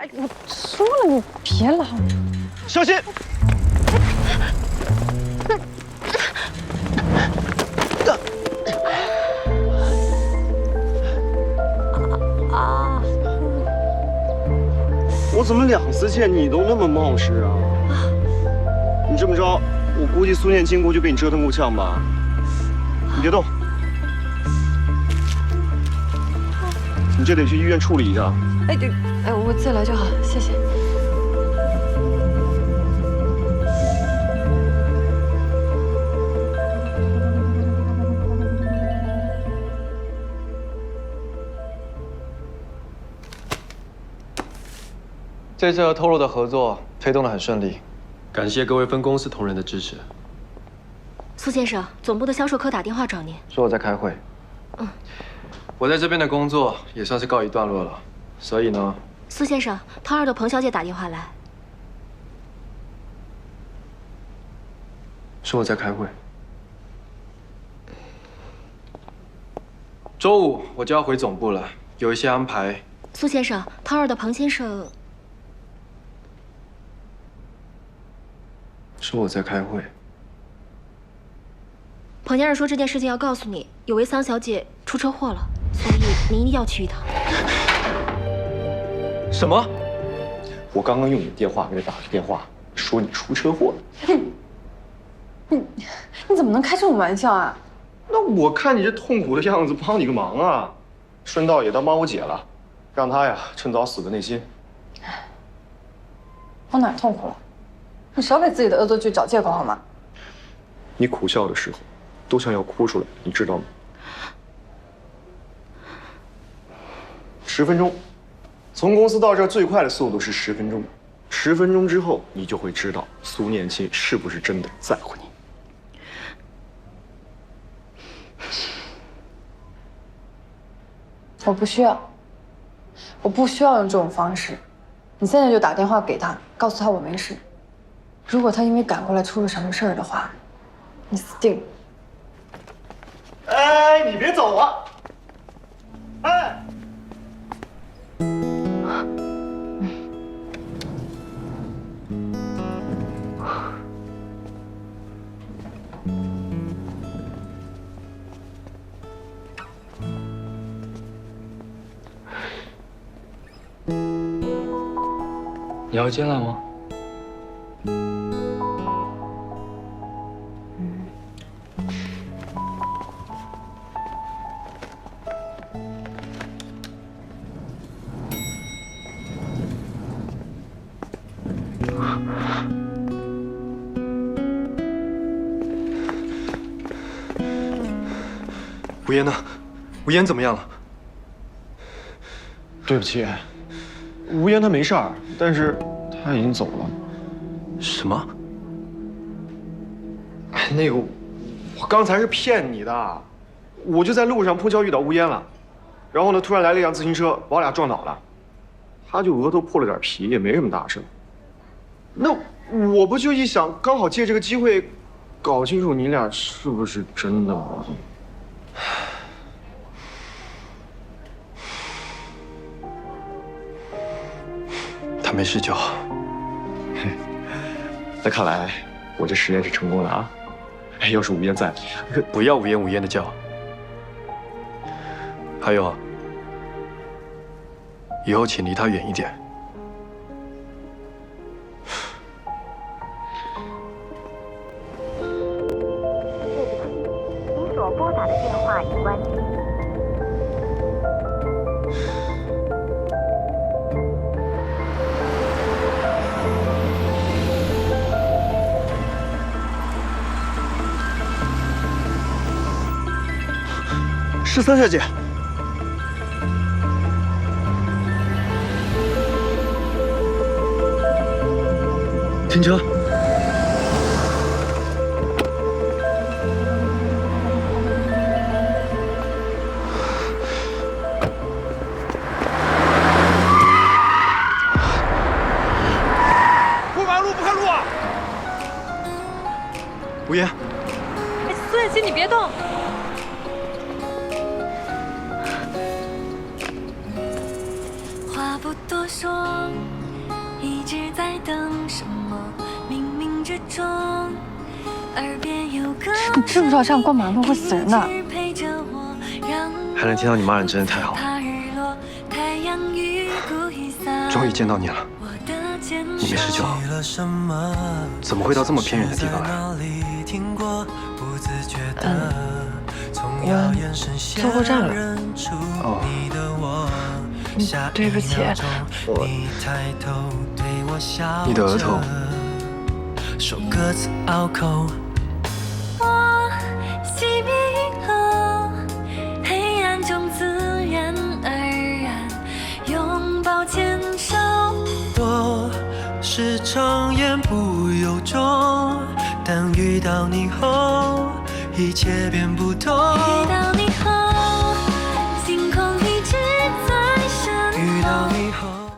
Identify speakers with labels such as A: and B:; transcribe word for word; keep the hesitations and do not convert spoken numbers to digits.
A: 我说了，你别拉我。
B: 小心！
A: 啊！
B: 我怎么两次见你都那么冒失啊？你这么着，我估计苏念经过就被你折腾够呛吧？你别动，你这得去医院处理一下。
A: 哎，对，哎，我自己来就好，谢谢。
C: 这次和透露的合作推动得很顺利，
D: 感谢各位分公司同仁的支持。
E: 苏先生，总部的销售科打电话找您，
C: 说我在开会。
E: 嗯，
C: 我在这边的工作也算是告一段落了，所以呢，
E: 苏先生，涛二的彭小姐打电话来，
C: 说我在开会。周五我就要回总部了，有一些安排。
E: 苏先生，涛二的彭先生
C: 说我在开会。
E: 彭先生说这件事情要告诉你，有位桑小姐出车祸了，所以您一定要去一趟。
C: 什么？
B: 我刚刚用你的电话给他打了个电话，说你出车祸了。
A: 你你怎么能开这种玩笑啊？
B: 那我看你这痛苦的样子，帮你个忙啊，顺道也当帮我姐了，让她呀趁早死个内心。
A: 我哪儿痛苦了？你少给自己的恶作剧找借口好吗？
B: 你苦笑的时候，都像要哭出来，你知道吗？十分钟，从公司到这儿最快的速度是十分钟。十分钟之后，你就会知道苏念青是不是真的在乎你。
A: 我不需要，我不需要用这种方式。你现在就打电话给他，告诉他我没事。如果他因为赶过来出了什么事儿的话，你死定了。
B: 哎，你别走啊！哎。
C: 你要进来吗？ 吴嫣呢？吴嫣怎么样了？
B: 对不起，吴嫣她没事儿，但是她已经走了。
C: 什么？
B: 哎，那个，我刚才是骗你的，我就在路上碰巧遇到吴嫣了，然后呢，突然来了一辆自行车，把我俩撞倒了，她就额头破了点皮，也没什么大事。那我不就一想，刚好借这个机会，搞清楚你俩是不是真的吗？
C: 他没事就好。
B: 那看来我这实验是成功了啊！哎，要是吴嫣在，
C: 不要无烟无烟的叫。还有，以后请离他远一点。
F: 您所拨打的电话已关机。
B: 是三小姐。
C: 停车！
B: 过马路不看路啊！
C: 吴嫣，
A: 哎，苏叶琪，你别动。
G: 话不多说。
A: 你知不知道这样过马路会死人的？
C: 还能听到你骂人，真的太好了。终于见到你了，你没事就好。怎么会到这么偏远的地方来？
A: 嗯，我坐过站了。
C: 哦，
A: 嗯，对不起，我。
C: 你的额头。
G: 说各自拗口。我熄灭银河，黑暗中自然而然拥抱牵手。我时常言不由衷，但遇到你后，一切变不同。